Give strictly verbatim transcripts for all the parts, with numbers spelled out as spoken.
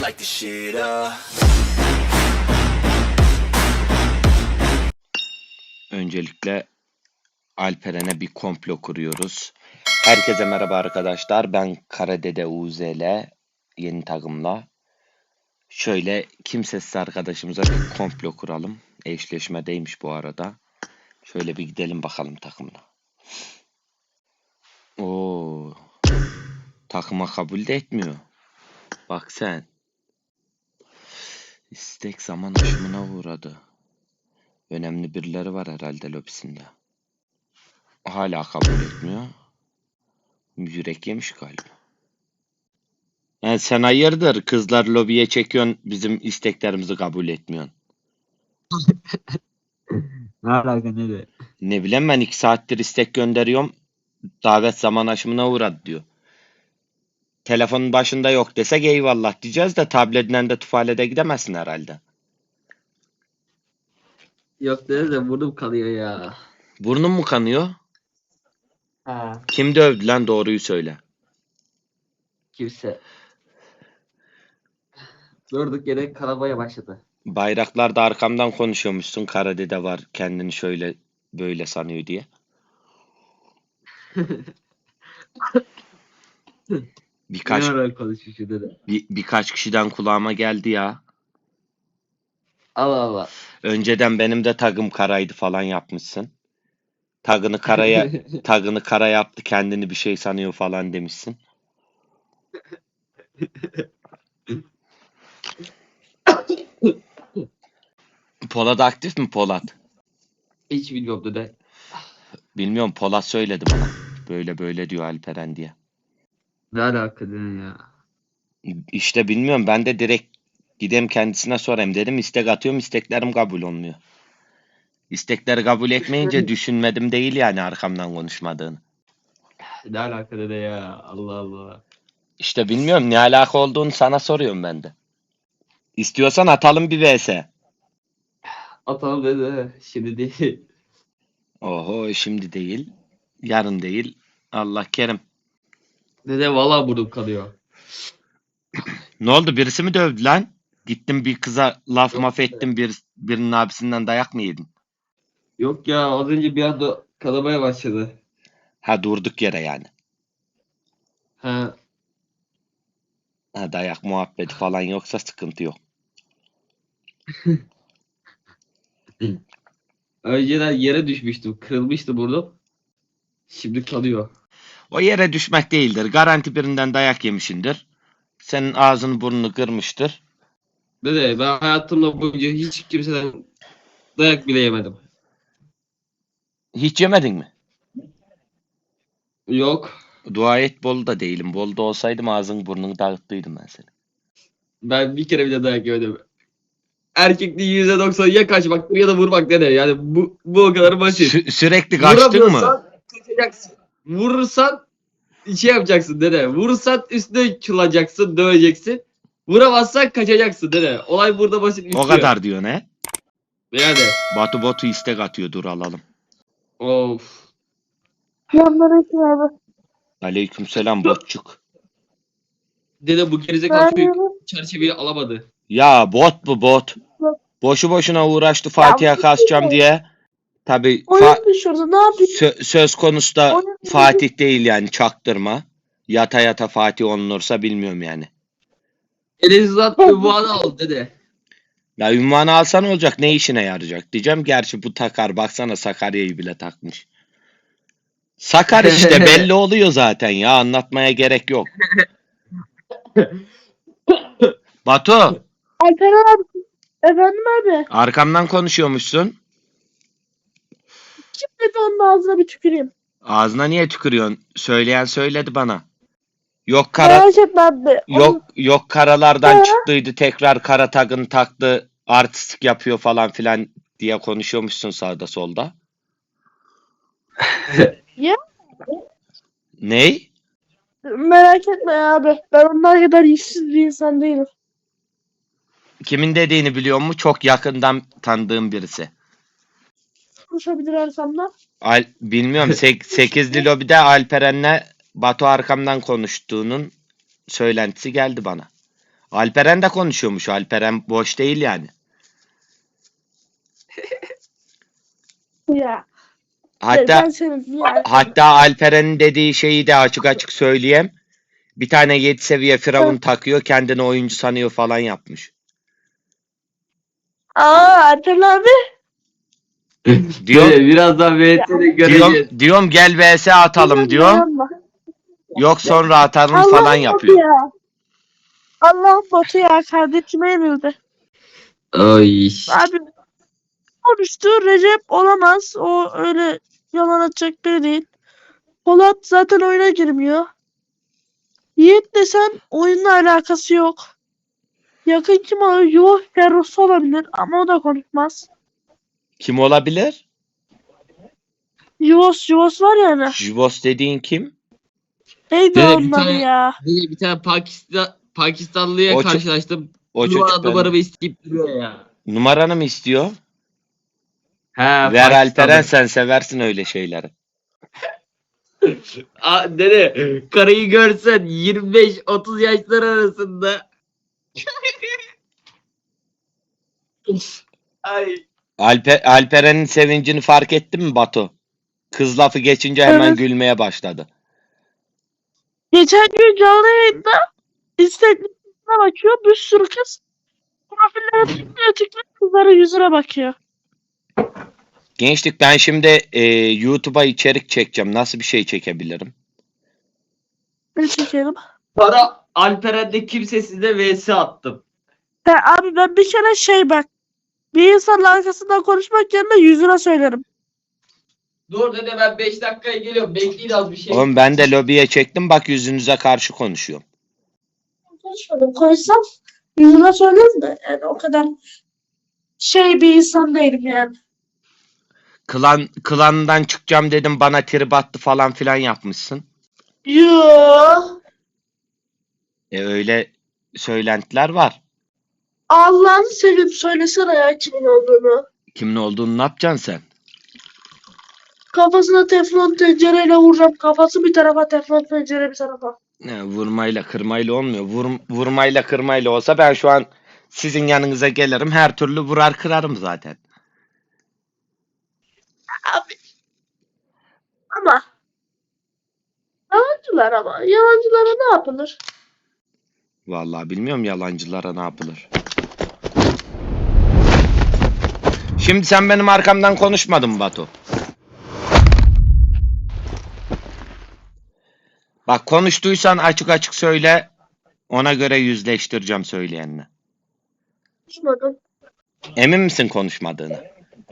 Like the shit up. Öncelikle Alperen'e bir komplo kuruyoruz. Herkese merhaba arkadaşlar. Ben Karadede U Z L yeni takımla. Şöyle kimsesiz arkadaşımıza bir komplo kuralım. Eşleşmedeymiş bu arada. Şöyle bir gidelim bakalım takımla. Oo, takıma kabul de etmiyor. Bak sen. İstek zaman aşımına uğradı. Önemli birileri var herhalde lobisinde. Hala kabul etmiyor. Yürek yemiş galiba. Yani sen hayırdır kızlar lobiye çekiyorsun bizim isteklerimizi kabul etmiyorsun. Ne alaka ne de? Ne bileyim ben iki saattir istek gönderiyorum. Davet zaman aşımına uğradı diyor. Telefonun başında yok desek eyvallah diyeceğiz de tabletinden de tuvalete gidemezsin herhalde. Yok dedi de burnum kanıyor ya. Burnun mu kanıyor? Ha. Kim dövdü lan doğruyu söyle. Kimse. Durduk yere kanamaya başladı. Bayraklarda arkamdan konuşuyormuşsun. Karadede var kendini şöyle böyle sanıyor diye. Birkaç Ne ara konuşmuş dedi. bir, birkaç kişiden kulağıma geldi ya. Allah Allah. Önceden benim de tagım karaydı falan yapmışsın. Tagını karaya tagını kara yaptı kendini bir şey sanıyor falan demişsin. Polat aktif mi Polat? Hiç bilmiyorum dedi. Bilmiyorum Polat söyledi bana. Böyle böyle diyor Alperen diye. Ne alaka dedi ya. İşte bilmiyorum ben de direkt gideyim kendisine sorayım dedim. İstek atıyorum isteklerim kabul olmuyor. İstekleri kabul etmeyince düşünmedim değil yani arkamdan konuşmadığını. Ne alaka dedi ya. Allah Allah. İşte bilmiyorum ne alaka olduğunu sana soruyorum ben de. İstiyorsan atalım bir V S. Atalım dedi. Şimdi değil. Oho şimdi değil. Yarın değil. Allah kerim. Dede valla burnum kanıyor. Ne oldu birisi mi dövdü lan? Gittim bir kıza laf Yok maf be. ettim bir, birinin abisinden dayak mı yedin? Yok ya az önce bir anda kanamaya başladı. Ha durduk yere yani. Ha. Ha dayak muhabbeti falan yoksa sıkıntı yok. Önceden yere düşmüştüm. Kırılmıştı burnum. Şimdi kanıyor. O yere düşmek değildir. Garanti birinden dayak yemişindir. Senin ağzını burnunu kırmıştır. Dede ben hayatımda boyunca hiç kimseden dayak bile yemedim. Hiç yemedin mi? Yok. Dua et Bolu'da değilim. Bolu'da olsaydım ağzını burnunu dağıttıydım ben seni. Ben bir kere bile dayak yemedim. Erkekliğin yüzde doksanı ya kaçmak ya da vurmak dede. Yani bu, bu o kadar basit. Sü- sürekli kaçtın mı? Vuramıyorsan kaçacaksın. Vurursan şey yapacaksın dede. Vurursan üstüne çılacaksın, döveceksin. Vuramazsan kaçacaksın dede. Olay burada basit O bitiyor. kadar diyor ne? Yani. Batu Botu istek atıyor dur alalım. Of. Selamünaleyküm abi. Aleykümselam botçuk. Dede bu gerizekalı çocuk Merhaba. çerçeveyi alamadı. Ya bot bu bot. Boşu boşuna uğraştı Fatih'e kasacağım diye. Tabi Oyun düşürdü. Ne yapayım? söz konusu da Oyun düşürdü. Fatih değil yani çaktırma. Yata yata Fatih olunursa bilmiyorum yani. Elizat ünvanı al dede. Ya ünvanı alsan olacak ne işine yarayacak diyeceğim. Gerçi bu takar baksana Sakarya'yı bile takmış. Sakar işte belli oluyor zaten ya anlatmaya gerek yok. Batu Alperen abi. Efendim abi. arkamdan konuşuyormuşsun. Kim dedi onun ağzına bir tüküreyim. Ağzına niye tükürüyorsun? Söyleyen söyledi bana. Yok kara Merak etme abi. yok yok karalardan Ha? çıktıydı tekrar kara tagını taktı artistik yapıyor falan filan diye konuşuyormuşsun sağda solda. Ya? Ney? Merak etme abi. Ben onlar kadar işsiz bir insan değilim. Kimin dediğini biliyor mu? Çok yakından tanıdığım birisi. Konuşabilirsem de. Al, bilmiyorum. Sek, sekizli lobide Alperen'le Batu arkamdan konuştuğunun söylentisi geldi bana. Alperen de konuşuyormuş. Alperen boş değil yani. Ya. Hatta Ben senin yani. hatta Alperen'in dediği şeyi de açık açık söyleyeyim. Bir tane yedi seviye firavun takıyor, kendini oyuncu sanıyor falan yapmış. Aa Alper abi. Diyorum, Dede birazdan V T'de göreceğiz. diyorum, diyorum gel V S atalım diyorum. Dayanma. Yok sonra atalım falan Allah'ım botu yapıyor. ya. Allah'ım botu ya. Kardeşime yenildi. Ay. Abi konuştu. Recep olamaz. O öyle yalan atacak biri değil. Polat zaten oyuna girmiyor. Yiğit desen oyunla alakası yok. Yakın kim olur? Yuh Ferruh olabilir ama o da konuşmaz. Kim olabilir? Yuvos Yuvos var ya hani. Jibos dediğin kim? Neydi Dede, onun bir adı tane- ya? Dede bir tane Pakistan Pakistanlıya O ço- karşılaştım. O Numara çocuk numaramı benim. isteyip duruyor ya. Numaranı mı istiyor? He, Ver Alperen, Pakistanlı. sen seversin öyle şeyleri. Aa, dede karıyı görsen yirmi beş otuz yaşlar arasında. Ay. Alper, Alperen'in sevincini fark ettin mi Batu? Kız lafı geçince hemen Evet. gülmeye başladı. Geçen gün canlı yayında Instagram'a bakıyor. Bir sürü kız profillere tıklıyor tıklıyor kızların yüzüne bakıyor. Gençlik, ben şimdi e, YouTube'a içerik çekeceğim. Nasıl bir şey çekebilirim? Ne çekelim? Para Alperen'de kimsesizde V S attım. He abi ben bir kere şey bak. Bir insanın arkasından konuşmak yerine yüzüne söylerim. Dur dede ben beş dakikaya geliyorum. Bekleyin az bir şey. Oğlum ben de lobiye çektim, bak yüzünüze karşı konuşuyorum. Konuşmadım. Konuşsam yüzüne söylerim de. Yani o kadar şey bir insan değilim yani. Klan, klandan çıkacağım dedim, bana trip attı falan filan yapmışsın. Yoo. E öyle söylentiler var. Allah'ını seveyim söylesene ya kimin olduğunu. Kimin olduğunu ne yapacaksın sen? Kafasına teflon tencereyle vuracağım. Kafası bir tarafa teflon tencere bir tarafa. Ne, vurmayla kırmayla olmuyor. Vur, vurmayla kırmayla olsa ben şu an sizin yanınıza gelirim, her türlü vurar kırarım zaten. Abi. Ama. Yalancılar ama. Yalancılara ne yapılır? Vallahi bilmiyorum yalancılara ne yapılır. Şimdi sen benim arkamdan konuşmadın mı Batu? Bak, konuştuysan açık açık söyle. Ona göre yüzleştireceğim söyleyenle. Konuşmadım. Emin misin konuşmadığını?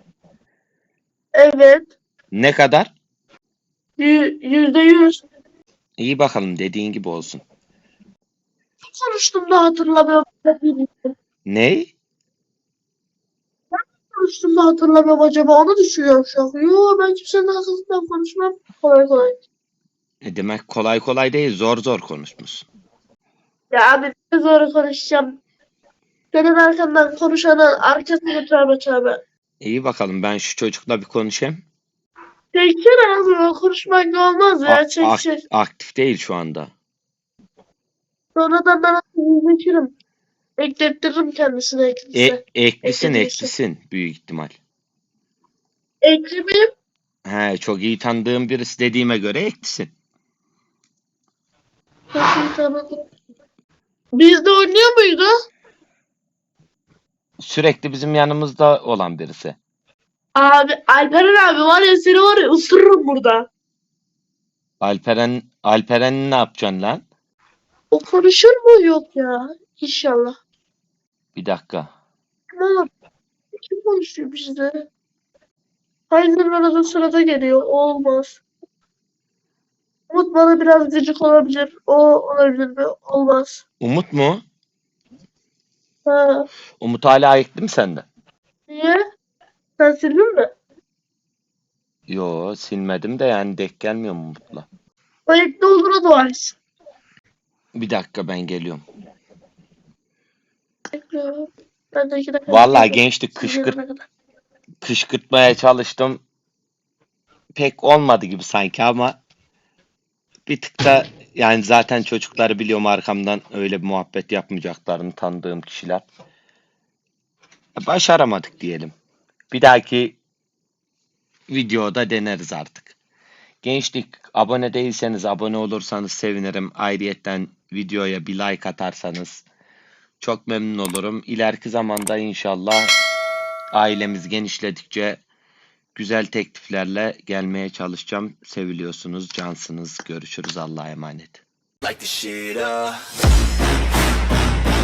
Evet. Ne kadar? Yü- Yüzde yüz. İyi bakalım, dediğin gibi olsun. Konuştum da hatırlamıyorum. Ney? Konuştum da hatırlamıyorum acaba. Onu düşünüyorum şu an. Yo ben kimsenin arkasından konuşmam. Kolay kolay. E demek kolay kolay değil, zor zor konuşmuşsun. Ya abi ne zor konuşacağım. Senin arkandan konuşanın arkasını tövbe tövbe. İyi bakalım, ben şu çocukla bir konuşayım. Çeksene abi o konuşmak olmaz ya. A- Çek ak- çek. aktif değil şu anda. Sonradan ben yüzleşirim. Eklettiririm kendisine E, eklise. eklisin Eklediyse. eklisin büyük ihtimal. Eklemeyeyim. He, çok iyi tanıdığım birisi dediğime göre eklisin. Çok iyi tanıdım. Bizde oynuyor muydu? Sürekli bizim yanımızda olan birisi. Abi Alperen abi var ya seni var ya ısırırım burada. Alperen, Alperen ne yapacaksın lan? O konuşur mu? Yok ya. İnşallah. Bir dakika. Ama kim konuşuyor bizde? Aynen arada sırada geliyor. O olmaz. Umut bana biraz gıcık olabilir. O olabilir mi? Olmaz. Umut mu? Ha. Umut hala ayıktı mı sende? Niye? Sen sildin mi? Yo, silmedim de yani denk gelmiyor mu Umut'la? Ayıkta olduğuna dua etsin. Bir dakika, ben geliyorum. Bekliyorum. Ben de iki dakika Vallahi bekliyorum. gençlik Siz kışkırt, gelene kadar. kışkırtmaya çalıştım. Pek olmadı gibi sanki ama bir tık da Yani zaten çocukları biliyorum, arkamdan öyle bir muhabbet yapmayacaklarını tanıdığım kişiler. Başaramadık diyelim. Bir dahaki videoda deneriz artık. Gençlik, abone değilseniz abone olursanız sevinirim. Ayrıyetten videoya bir like atarsanız çok memnun olurum. İleriki zamanda inşallah ailemiz genişledikçe güzel tekliflerle gelmeye çalışacağım. Seviliyorsunuz, cansınız. Görüşürüz. Allah'a emanet. Like the shit up.